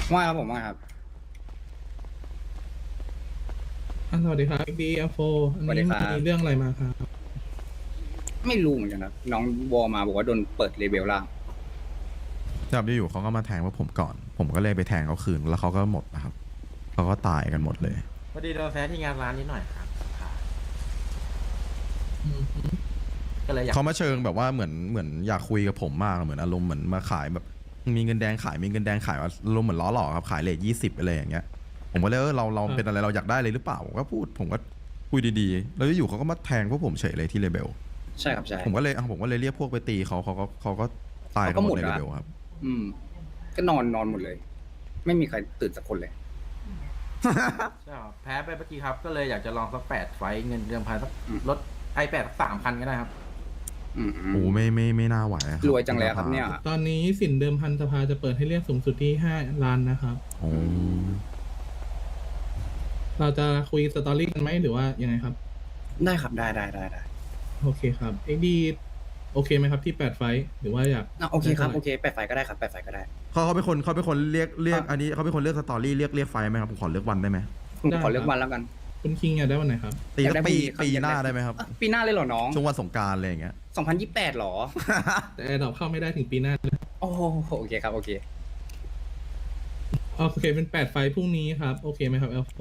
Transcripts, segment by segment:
ว่าครับผมว่าครับสวัสดีครับดีเอฟโฟอันนี้สวัสดีครับมีเรื่องอะไรมาครับไม่รู้เหมือนกันครับน้องวอมาบอกว่าโดนเปิดเลเวลล่างครับอยู่ๆเขาก็มาแทงพวกผมก่อน ผมก็เลยไปแทงเขาคืนแล้วเขาก็หมดนะครับเขาก็ตายกันหมดเลยพอดีโดนแพ้ที่งานร้านนิดหน่อยครับอืมก็เลยอยากเขามาเชิงแบบว่าเหมือนอยากคุยกับผมมากเหมือนอารมณ์เหมือนมาขายแบบมีเงินแดงขายมีเงินแดงขายอารมณ์เหมือนล้อหลอกครับขายเลท20อะไรอย่างเงี้ยผมก็เลยเราเป็นอะไรเราอยากได้เลยหรือเปล่าผมก็พูดผมก็คุยดีๆแล้วอยู่ๆเขาก็มาแทงพวกผมเฉยเลยที่เลเบลใช่ครับใช่ผมก็เลยเรียกพวกไปตีเขาก็ตายกันหมดในเลเบลครับอืมก็นอนหมดเลย ไม่มีใครตื่นสักคนเลยใช่ครับแพ้ไปเมื่อกี้ครับ ก็เลยอยากจะลองสัก8 ไฟต์เงินเดือนพันสักอืมลด8สัก3,000ก็ได้ครับอืมโอ้ไม่น่าไหวอะคบรวยจังเลยครับเนี่ยตอนนี้สินเดิมพันสภาจะเปิดให้เรียกสูงสุดที่5 ล้านนะครับโอ้เราจะคุยสตอรี่กันไหมหรือว่ายังไงครับได้ครับได้โอเคครับดีโอเคไหมครับที่8 ไฟท์หรือว่าอยากโอเคครับโอเคแปดไฟก็ได้ครับแปดไฟก็ได้เขาเป็นคนเรียกอันนี้เขาเป็นคนเลือกสตอรี่เรียกไฟไหมครับผมขอเลือกวันได้ไหมผมขอเลือกวันแล้วกันคุณคิงอยากได้วันไหนครับตีอยากได้ปีพรุ่งนี้ครับปีหน้าได้ไหมครับปีหน้าเลยเหรอน้องช่วงวันสงกรารอะไรอย่างเงี้ย 2028หรอแต่แอร์ดรอปเข้าไม่ได้ถึงปีหน้าโอ้โหโอเคครับโอเคโอเคเป็น8 ไฟท์พรุ่งนี้ครับโอเคไหมครับเอลโฟ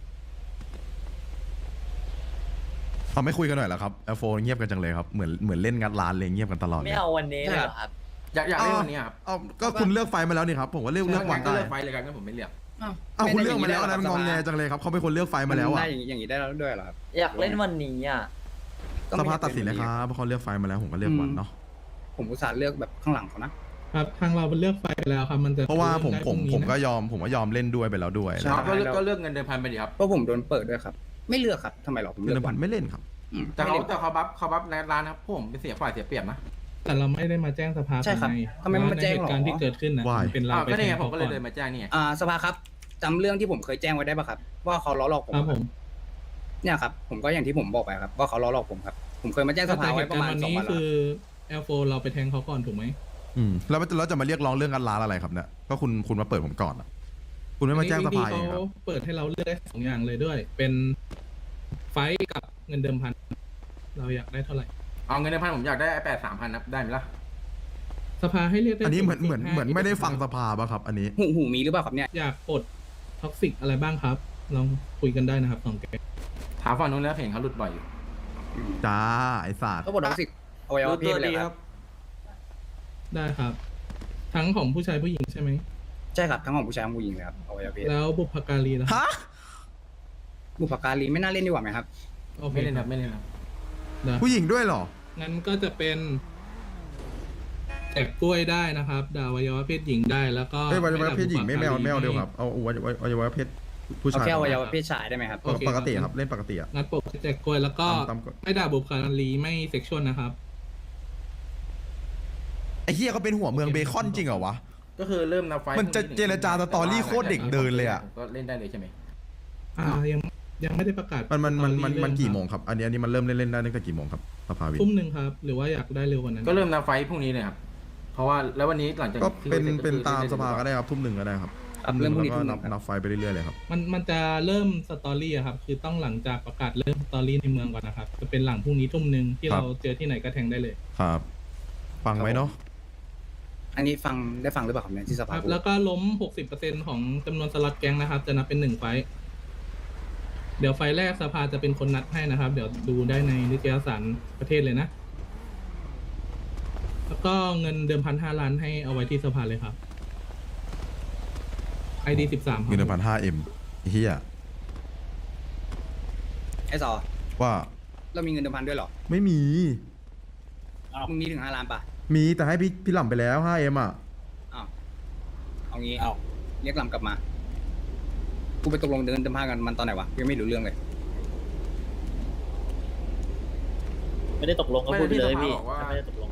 เขาไม่คุยกันหน่อยเหรอครับL4เงียบกันจังเลยครับเหมือนเล่นงัดร้านเลยเงียบกันตลอดไม่เอาวันนี้เลยเหรอครับอยากเล่นวันนี้ครับเอาก็คุณเลือกไฟมาแล้วนี่ครับผมก็เลือกวันก็ได้เลือกไฟเลยกันงั้นผมไม่เลือกเอาคุณเลือกมาแล้วนะมันงองแงจังเลยครับเขาเป็นคนเลือกไฟมาแล้วได้อ่ะอย่างนี้ได้แล้วด้วยเหรอครับอยากเล่นวันนี้อ่ะก็สไม่ภาตัดสินเลยครับเพราะเขาเลือกไฟมาแล้วผมก็เลือกวันเนาะผมอุตส่าห์เลือกแบบข้างหลังเขานะครับทางเราเป็นเลือกไฟไปแล้วครับมันจะเพราะว่าผมได้พผรุ่มงนี้ผมนะก็ยอมเล่นด้วยไปแล้วด้วยใช่ก็เลือกเงินเดือนพันไปดีครับเพราะผมโดนเปิดด้วยครับ ไม่เลือกครับทำไมหรอผมเงิเลืนอกพัวัน นไม่เล่นครับแต่เขาบัฟในร้านครับพวกผมเป็นเสียฝ่ายเสียเปรียบนะแต่เราไม่ได้มาแจ้งสภาใช่ครับภายในทำไมไม่มาแจ้งหรอเหตุการณ์ที่เกิดขึ้นนะมันเป็นเราไปก็แทนี่ไงงผมเขาก็ก่เลอย นเดินมาแจ้งนี่ไงสภาครับจำเรื่องที่ผมเคยแจ้งไว้ได้ปะครับ ว่าเขาล้อหลอกผมครับผมเนี่ยครับผมก็อย่างที่ผมบอกไปครับว่าเขาล้อหลอกผมครับผมเคยมาแจ้งสภาแต่เหไว้ตุปการระมาณณ์วัน 2 นี้วันแล้วคือเอลโฟเราไปแทงเขาก่อนถูกไหมแล้วเราจะมาเรียกร้องเรื่องงัดร้านอะไรครับเนี่ยก็คุณมาเปิดผมก่อนอะคุณไม่มาแจ้งสภาเองครับเขาเปิดให้เราเลือกได้2 อย่างเลยด้วย เป็นไฟท์กับเงินเดิมพันเราอยากได้เท่าไหร่เอาเงินเดือนพันผมอยากได้8 3,000นะได้ไหมล่ะสภาให้เรียกได้อันนี้เหมือนสูงสุดไม่ได้ฟังสภาป่ะครับ อันนี้หูมีหรือเปล่าครับเนี่ยอยากปลดท็อกซิกอะไรบ้างครับลองคุยกันได้นะครับ2 แกงถามฝั่งนู้นแล้วเห็นเขาหลุดบ่อยอยู่จ้าไอ้สัตว์ก็บอกท็อกซิกอวัยวะเพศไปเลยครับได้ครับ ทั้งของผู้ชายผู้หญิงใช่ไหมใช่ครับทั้งของผู้ชายทั้งผู้หญิงเลยครับอวัยวะเพศแล้วบุพการีล่ะฮะบุพการีไม่น่าเล่นดีกว่าไหมครับโอเคไม่เล่นครับไม่เล่นครับได้ผู้หญิงด้วยเหรองั้นก็จะเป็นแจกกล้วยได้นะครับดาวอวัยวะเพศหญิงได้แล้วก็เอ้ยวัยวะเพศหญิงไม่แมวเดียวครับเอาวัยวะเพศผู้เอาชายแค่อวัยวะเพศชายได้ไหมครับปกติครับเล่นปกติอะงัดปกแจกกล้วยแล้วก็ตามกฎไม่ด่าบุพการีไม่เซ็กชวลนะครับไอ้เฮียเขาเป็นหัวเมืองเบคอนจริงเหรอวะก็คือเริ่มนับไฟมันจะเจรจาสตอรี่โคตรเด็กเดินเลยอะก็เล่นได้เลยใช่ไหมยังไม่ได้ประกาศมันกี่โมงครับ อันนี้มันเริ่มเล่นได้ตั้งแต่กี่โมงครับสภาวินทุ่มหนึ่งครับ หรือว่าอยากได้เร็วกว่านั้นก็เริ่มนับไฟพรุ่งนี้เลยครับเพราะว่าแล้ววันนี้หลังจากก็ที่เป็นตามเสร็จสภาก็ได้ครับทุ่มหนึ่งก็ได้ครับครับเริ่มพรุ่งนี้แล้วทุ่ก็มหนึ่งครับนับไฟไปเรื่อยๆเลยครับมันจะเริ่มสตอรี่อะครับ คือต้องหลังจากประกาศเริ่มสตอรี่ในเมืองก่อนนะครับ จะเป็นหลังพรุ่งนี้ทุ่มหนึ่งที่ครับเราเจอที่ไหนก็แทงได้เลยครับ ฟังไว้เนาะอันนี้ได้ฟังหรือเปล่าครับเนี่ยที่สคภารับพูดแล้วก็ล้ม 60%ของจำนวนสล็อตแก๊งนะครับ จะนับเป็น1 ไฟท์เดี๋ยวไฟล์แรกสภาจะเป็นคนนัดให้นะครับ เดี๋ยวดูได้ในนิตยสารประเทศเลยนะ แล้วก็เงินเดิมพัน5 ล้านให้เอาไว้ที่สภาเลยครับ ID 13 เงิน1,500M เฮียไอ้ซอว่าเรามีเงินเดิมพันด้วยเหรอไม่มีมึงมีถึง5 ล้านปะมีแต่ให้พี่หล่ำไปแล้ว 5M อ่ะอ้าวเอางี้เรียกลำกลับมากูไปตกลงเดินเดิมพันกันมันตอนไหนวะยังไม่รู้เรื่องเลยไม่ได้ตกลงก็พูดไปเลยพี่ถ้าไม่ได้ตกลง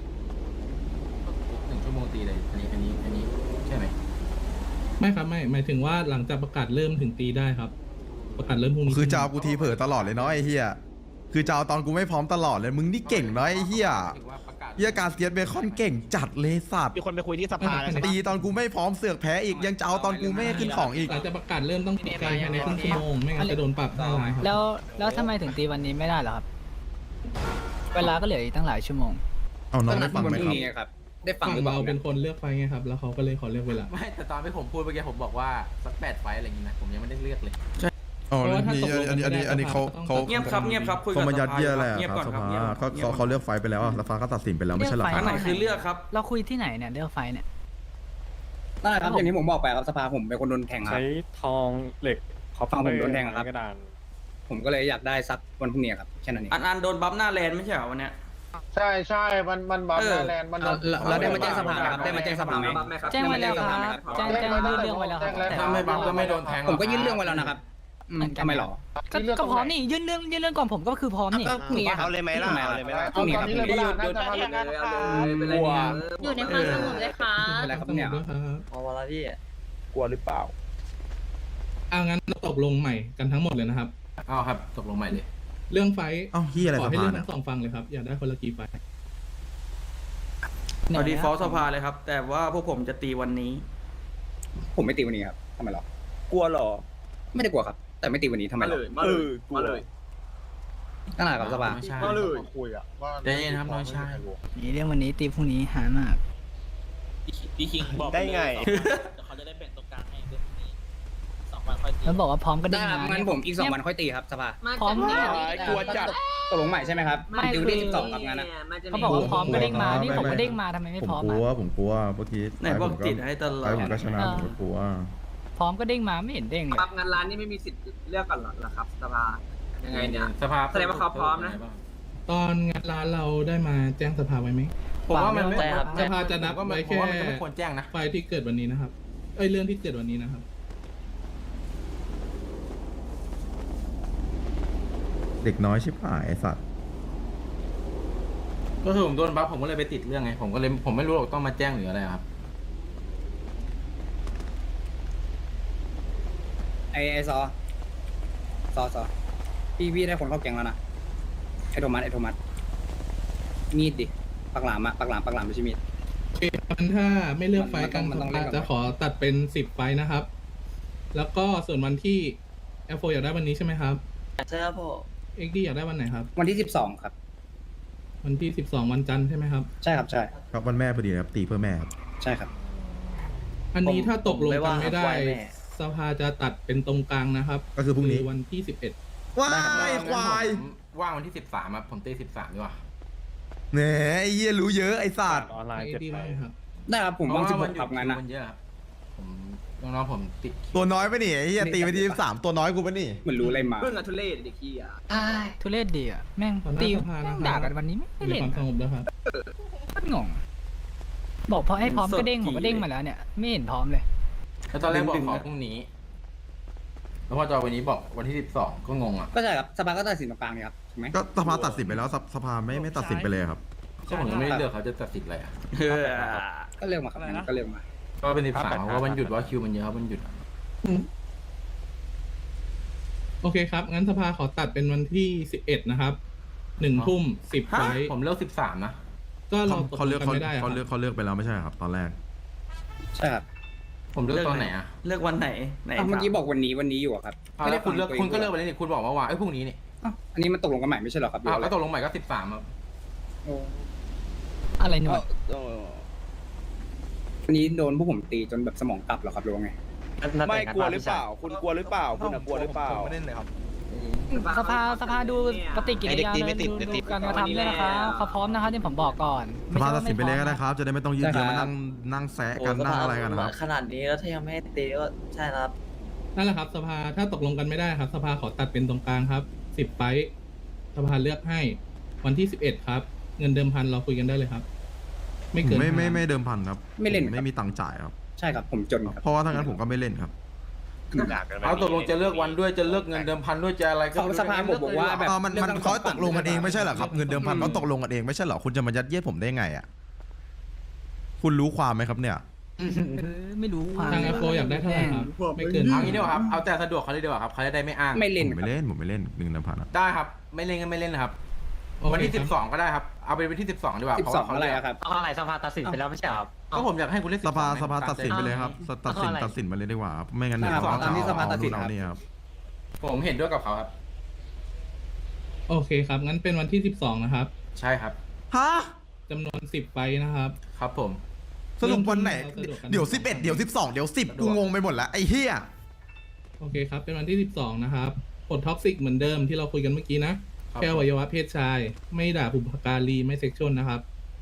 1 ชั่วโมงตีเลยอันนี้ใช่ไหมไม่ครับไม่หมายถึงว่าหลังจากประกาศเริ่มถึงตีได้ครับ ประกาศเริ่มพรุ่งนี้คือจะเอากูทีเผลอตลอดเลยเนาะไอ้เฮียคือจะเอาตอนกูไม่พร้อมตลอดเลยมึงนี่เก่งเนาะไอ้เฮียถือว่าประกาศเหี้ยการเซียสเบคอนเก่งจัดเลยสัตว์มีคนไปคุยที่สภาแล้วใช่ตีปะตอนกูไม่พร้อมเสือกแพ้อีกยังจะเอาตอนกูไม่ให้ขึ้นของอีกหลังจากประกาศเริ่มต้องตีภายในครึ่งชั่วโมงไม่งั้นจะโดนปรับ5 ล้านครับแล้วทำไมถึงตีวันนี้ไม่ได้เหรอครับ เวลาก็เหลืออีกตั้งหลายชั่วโมงเอาน้องก็นัได้ดฟังวันไหมพรุ่ครับงนี้ครับ ได้ฟังฝั่งหรือเปล่าเราเป็นคนเลือกไฟไงครับ แล้วเขาก็เลยขอเลือกเวลาไม่แต่ตอนที่ผมพูดเมื่อกี้ผมบอกว่าสัก8 ไฟล์อะไรอย่างงี้นะผมยังไม่ได้เลือกเลยอ๋อเพราะว่าถ้านี่ตกลงกันไม่ได้อันนี้เขาก็ต้องเงียบครับเงียบครับคุยเขากับมายัดเยียดอะไรเงียบคก่รัอบ นสครับภาเงียบเขาเลือกไฟไปแล้วอะสภาก็ตัดสินไปแล้วไม่ใช่เหรอคอัรันบไหนคือเลือกครับเราคุยที่ไหนเนี่ยเรื่องไฟเนี่ยนั่นแหละครับอย่างที่ผมบอกไปครับสภาผมเป็นคนโดนแทงครับใช้ทองเหล็กคอปฝั่งผมโดนแทงครับกระดานผมก็เลยอยากได้ซักวันพรุ่งนี้ครับแค่นั้นเองอันโดนบัฟหน้าแลนด์ไม่ใช่เหรอวันเนี้ยใช่ใช่มันบัฟแลนด์มันเราได้มาแจ้งสภาไหมครับได้มาแจ้งสภาไหมแจ้งไว้แล้วครับแจ้งยื่นเรื่องไว้แล้วครับแต่ถ้าไม่บังก็ไม่โดนแทงหรผอกมก็ยื่นเรื่องไว้แล้วนะครับทำไมหรอก็พร้อมนี่ยื่นเรื่องก่อนผมก็คือพร้อมนี่ก็พรุ่งนี้ครับเอาเลยไหมล่ะเอาเลยไหมล่ะพรุ่งนี้ครับเลยน่าจะมาเลยอยู่ในความสงบเลยค่ะอะไรครับเนี่ยด้วยครับเอาเวลาพี่กลัวหรือเปล่าเอางั้นเราตกลงใหม่กันทั้งหมดเลยนะครับเอาครับตกลงใหม่เลยเรื่องไฟเอ้าเฮียอะไรขอสให้ภาเรื่องเนี่ทั้ยงสองฟังเลยครับ อยากได้คนละกี่ไฟเอาดีฟอลต์สภาเลยครับ แต่ว่าพวกผมจะตีวันนี้ผมไม่ตีวันนี้ครับทำไมหรอกลัวหรอไม่ได้กลัวครับ แต่ไม่ตีวันนี้ทำไมหรอกลัวเลยนั่นแหละครับสภาไม่ใช่คุยอ่ะใจเย็นครับน้องชายนี่เรื่องวันนี้ตีพรุ่งนี้หามากพี่คิงบอกได้ไงเดี๋ยวเขาจะได้แบ่งตรงกลางให้เรื่องนี้2 วันค่อยตีแล้วบอกว่าพร้อมก็ได้ได้ครับมางั้นผมอีก2 วันค่อยตีครับสภาพร้อมเนี่ยกลัวจัดตกลงใหม่ใช่ไหมครับดิวที่12ครับงั้นนะเขาบอกว่าพร้อมก็เด้งมานี่ผมก็เด้งมาทำไมไม่ผมพร้อมกลัอ่ะวผมกลัวเมื่อกี้ไหนบอกติดให้ตลอไปดผมก็ชนะผมก็กลัวพร้อมก็เด้งมาไม่เห็นเด้งเลยปรับงานร้านนี่ไม่มีสิทธิ์เลือกก่อนหรอครับสภายังไงเนี่ยสภาแสดงว่าเขาพร้อมนะตอนงานร้านเราได้มาแจ้งสภาไว้ไหมผมว่ามันไม่ใช่ครับสภาจะนับผมไว้ว่าแค่มันก็ไม่ควรแจ้งนะไฟที่เกิดวันนี้นะครับเรื่องที่เกิดวันนี้นะครับเด็กน้อยชิบหายไอ้สัตว์ก็คือผมโดนบัฟผมก็เลยไปติดเรื่องไงผมก็เลยผมไม่รู้หรอกต้องมาแจ้งหรืออะไรครับไอซอพี่ได้คนเข้าแกงแล้วนะไอโทมัสมีดดิปักหลามไม่ใช่มีดโอเคงั้นถ้าไม่เลือกไฟล์กันมันต้องเล่นกับจะขอตัดเป็น10 ไฟล์นะครับ แล้วก็ส่วนวันที่แอฟโฟอยากได้วันนี้ใช่ไหมครับใช่ครับพ่อเอ็กดี้อยากได้วันไหนครับวันที่12ครับวันที่12วันจันทร์ใช่ไหมครับใช่ครับใช่ครับวันแม่พอดีนะครับตีเพื่อแม่ครับใช่ครับอันนี้ถ้าตกลงกันไม่ได้ผมไม่ว่าแม่สภาจะตัดเป็นตรงกลางนะครับก็คือพรุ่งนี้วันที่11 ว้ายควายว่างวันที่13ครับผมตี13ดีกว่าแหนไอ้เหี้ยรู้เยอะไอ้สัตว์ออนไลน์เอ็เจ็ดกดี้ใบได้ครับได้ครับผมว่างเพระ 16ครับงานนะมันเยอะครับผมน้องๆผมติดตัวน้อยไปะนี่ไอ้เหี้ยตีไปที่13ตัวน้อยกูปะนี่เหมือนรู้อะไรมาเพิ่งอะทุเรศเด็กขี้อ่ะทุเรศดีอ่ะแม่งขอหน้าตีสภานะครับด่ากันวันนี้ไม่มีเล่นความสงบด้วยครับก็งงบอกพอให้พร้อมก็เด้งผมก็เด้งมาแล้วเนี่ยไม่เห็นพร้อมเลยแล้วตอนแรกบอกขอพรุ่งนี้ แล้วพอจอวันนี้บอกวันที่12ก็งงอ่ะก็ใช่ครับสภาก็ตัดสินตรงกลางนี่ครับถูกไหมก็สภาตัดสินไปแล้วสภาไม่ตัดสินไปเลยครับก็ผมยังไม่ได้เลือกเขาจะตัดสินอะไรอ่ะก็เลือกมาครับงั้นก็เลือกมาก็เป็น13เพราะว่ามันหยุดว่าคิวมันเยอะครับมันหยุดโอเคครับ งั้นสภาขอตัดเป็นวันที่11นะครับ1 ทุ่ม 10 ไฟล์ผมเลือก13นะก็เราตกเขาลเลือกงกันไม่ได้อะคเขารับเลือกเขาเลือกไปแล้วไม่ใช่เหรอครับ ตอนแรกใช่ครับผมเลือกตอนไหนอ่ะเลือกวันไหนไหนเมื่อกี้บอกวันนี้อยู่อะครับแล้วคุณเลือกฟังคุณก็เลือกตัวไปงแล้วนี่คุณบอกว่าพรุ่งนี้นี่อ้าวอันนี้มันตกลงกันใหม่ไม่ใช่เหรอครับอ้าวแล้วตกลงใหม่ก็13ครับอะไรหนวดวันนี้โดนพวกผมตีจนแบบสมองกลับเหรอครับหรือว่าไงไม่กลัวหรือเปล่า คุณกลัวหรือเปล่า คุณกลัวหรือเปล่าไม่เล่นเลยครับสภาดูปฏิกิริยาไอ้เด็กตีไม่เลยติดดูการกระทำด้วยนะครับเขาพร้อมนะครับที่ผมบอกก่อนสภาตัดสินไปเลยก็ได้ครับ จะได้ไม่ต้องยืดเยื้อมานั่งแซะกันนั่งอะไรกันนะครับขนาดนี้แล้วถ้ายังไม่ให้ตีก็ใช่ครับนั่นแหละครับสภาถ้าตกลงกันไม่ได้ครับ สภาขอตัดเป็นตรงกลางครับ10 ไฟล์สภาเลือกให้วันที่11ครับ เงินเดิมพันเราคุยกันได้เลยครับ ไม่เกินไม่เดิมพันครับไม่เล่นครับไม่มีตังค์จ่ายครับใช่ครับผมจนครับเพราะว่าถ้างั้นผมก็ไม่เล่นครับเอาตกลงจะเลือกวันด้วยจะเลือกเงินเดิมพันด้วยจะอะไรก็เขาสภาบอกว่าแบบมันเขาตกลงกันเองไม่ใช่เหรอครับ เงินเดิมพันเขาตกลงกันเองไม่ใช่เหรอคุณจะมายัดเยียดผมได้ไงอ่ะคุณรู้ความไหมครับเนี่ยไม่รู้ความทางแอฟโฟอยากได้เท่าไหร่ครับ ไม่เกินเอางี้ดีกว่าครับเอาแต่สะดวกเขาเลยดีกว่าครับเขาจะได้ไม่อ้างไม่เล่นผมไม่เล่นเงินเดิมพันอะได้ครับไม่เล่นก็ไม่เล่นนะครับวันที่โอเคครับ 12 ก็ได้ครับ เอาเป็นวันที่ 12 ดีกว่า 12อะไรอะครับเอาอะไรสภาตัดสินไปแล้วไม่ใช่ครับก็ผมอยากให้คุณเล่นสภา 12 สภาตัดสินไปเลยครับตัดสินเอาอะไรตัดสินไปเลยดีกว่าครับไม่งั้นเดี๋ยวครับเขาตามที่สภาตัดสินเอานี่ครับผมเห็นด้วยกับเขาครับโอเคครับ งั้นเป็นวันที่ 12 นะครับใช่ครับฮะจำนวน 10 ไฟล์นะครับครับผมสรุปวันไหนเอาสะดวกกันเดี๋ยว11เดี๋ยว12เดี๋ยว10กูงงไปหมดแล้วไอ้เหี้ยโอเคครับ เป็นวันที่ 12 นะครับปลดท็อกซิกเหมือนเดิมที่เราคุยกันเมื่อกี้นะครับแค่อวัยวะเพศชาย ไม่ด่าบุพการีไม่เซ็กชวลนะครับ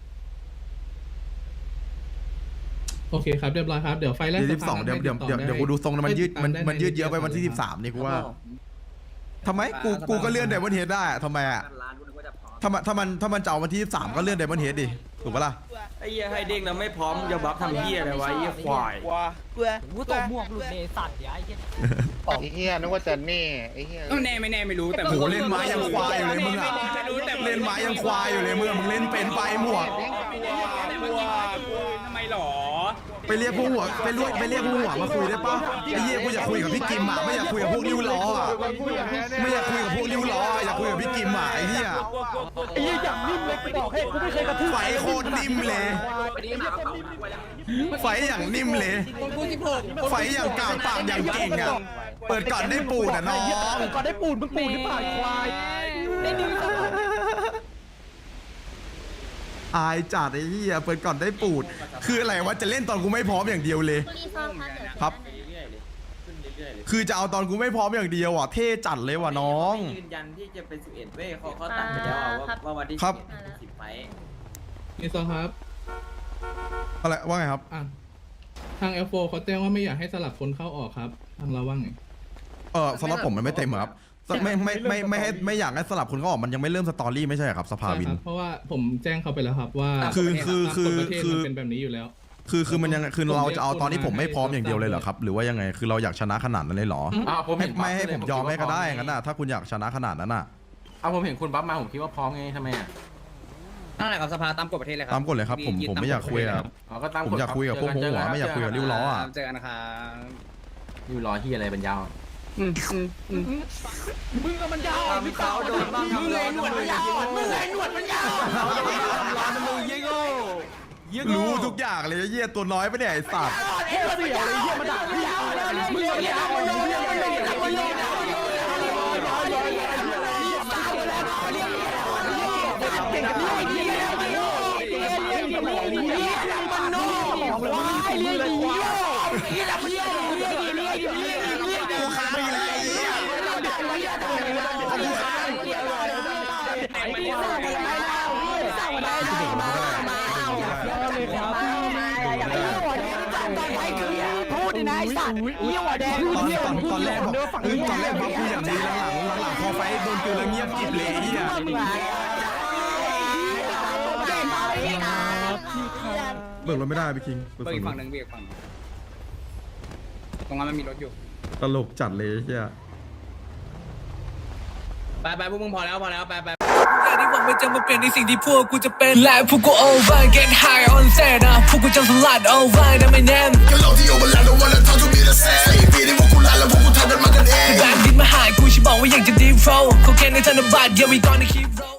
โอเคครับเรียบร้อยครับ เดี๋ยวไฟล์แรกเดี๋ยวสภา 12เดี๋ยวให้เดี๋ยวติต่อเดี๋ยวได้เดี๋ยวกูดูทรงแล้วมันยืดให้ติตามันยืดเยอะไปใวันที่13นี่กูว่าทำไมกูก็เลื่อนไดมอนเฮดได้อะทำไมอ่ะร้านกูนึกว่าจะพร้อมถ้ามันจะเอาวันที่13ก็เลื่อนไดมอนเฮดดิถูกปะล่ะไอ้เหี้ยให้เด้งแล้วไม่พร้อมจะบัฟทำเหี้ยอะไรวะไอ้เหี้ยควายกลัวกลัวกูตกหมวกหลุดเนสัตว์ย้ายเหี้ยไอ้เหี้ยนึกว่าจะแน่ไอ้เหี้ยแน่ไม่แน่ไม่รู้แต่โหเล่นไม้ยังควายอยู่เลยมึงอะเล่นไม้ยังควายอยู่เลยมึงเล่นเป็นไปหมวกทำไมหรอไปเรียกพวกหัวไปเรียกพวกหัวมาคุยได้ปะไอ้เหี้ยกูอยากคุยกับพี่กิมอ่ะไม่อยากคุยกับพวกริ้วล้ออ่ะไม่อยากคุยกับพวกริ้วล้ออยากคุยกับพี่กิมอ่ะไอ้เหี้ยไอ้ยี่อย่างนิ่มเลยกูบอกให้กูไม่เคยกระทืบไฟโคตรนิ่มเลยไปดีหากระเป๋าไว้แล้วไฟอย่างนิ่มเลยไฟอย่างกลางปากอย่างเก่งอ่ะเปิดก่อนได้ปูดอ่ะน้องก่อนได้ปูนมึงปูนหรือเปล่าควายได้ดึงสภาอายจัดไอ้เหี้ยเปิดก่อนได้ปูด คืออะไรวะจะเล่นตอนกูไม่พร้อมอย่างเดียวเลยคุณลีซ่าคะเดี๋ยวครับ คือจะเอาตอนกูไม่พร้อมอย่างเดียวอ่ะเท่จัดเลยว่ะน้องยืนยันที่จะเป็น11เว้ยเขาตัดไปแล้วว่าวันที่ครับ 10ไฟนี่ซอครับอะไรว่าไงครับอ่ะทาง F4 เขาแจ้งว่าไม่อยากให้สลับคนเข้าออกครับ ทางเราว่าไงสำหรับผมมันไม่เต็มอะครับไม่อยากให้สลับคนเขาออกมันยังไม่เริ่มสตอรี่ไม่ใช่เหรอครับสภาวินใช่ครับเพราะว่าผมแจ้งเขาไปแล้วครับว่าคือตามกฎประเทศมันเป็นแบบนี้อยู่แล้วคือมันยังคือเราจะเอาตอนที่ผมไม่พร้อมอย่างเดียวเลยเหรอครับ หรือว่ายังไงคือเราอยากชนะขนาดนั้นเลยเหรอผมเห็นไม่ให้ผมยอมให้ก็ได้งั้นน่ะถ้าคุณอยากชนะขนาดนั้นน่ะผมเห็นคุณบัฟมาผมคิดว่าพร้อมไงทำไมอ่ะนั่นแหละครับสภาตามกฎประเทศเลยครัตามกฎเลยครับผมไม่อยากคุยอะก็ตามผมอยากคุยกับพวกหัวไม่อยากคุยกับริ้วล้ออ่ะเจอกันนะครับริ้วล้อที่อะไรเป็นยาวมึงกับมันยาวทำเขาโดนบ้างทำร้อนมึงยาวมึงไงหนวดมันยาวทำร้อนมึงเยี่ยโง่รู้ทุกอย่างเลยเยี่ยตัวน้อยไปเนี่ยไอ้สัตว์เฮ้ยเสี่ยวเลยเหี้ยมันด่าพี่ยาวมึงยาวมึงยาวมึงยาวเก่งกับพี่ไอ้เหี้ยมันโน่ควายเลี้ยงควายกูขาไปเลยกูขาพูดดินะไอ้สัตว์เหี้ยหัวแดงตอนแรกบอกตอนแรกบอกกูอย่างนี้หลังพอไฟโดนกินแล้วเงียบกริบเลยเฮียเบิกรถไม่ได้พี่คิงเบอร์อีกฝั่งหนึ่งเบอร์อีกฝั่งตรงนั้นมันมีรถอยู่ตลกจัดเลยเฮียไปพวกมึงพอแล้วไปที่หวังว่าจะมาเปลี่ยนในสิ่งที่พวกกูจะเป็นและพวกกู over get high on set นะพวกกูจะสลัด over นะไม่แน่แบบดินมาหากูฉันบอกว่าอยากจะ deep flow เขาแค่ในธนบัตร yeah we gonna keep roll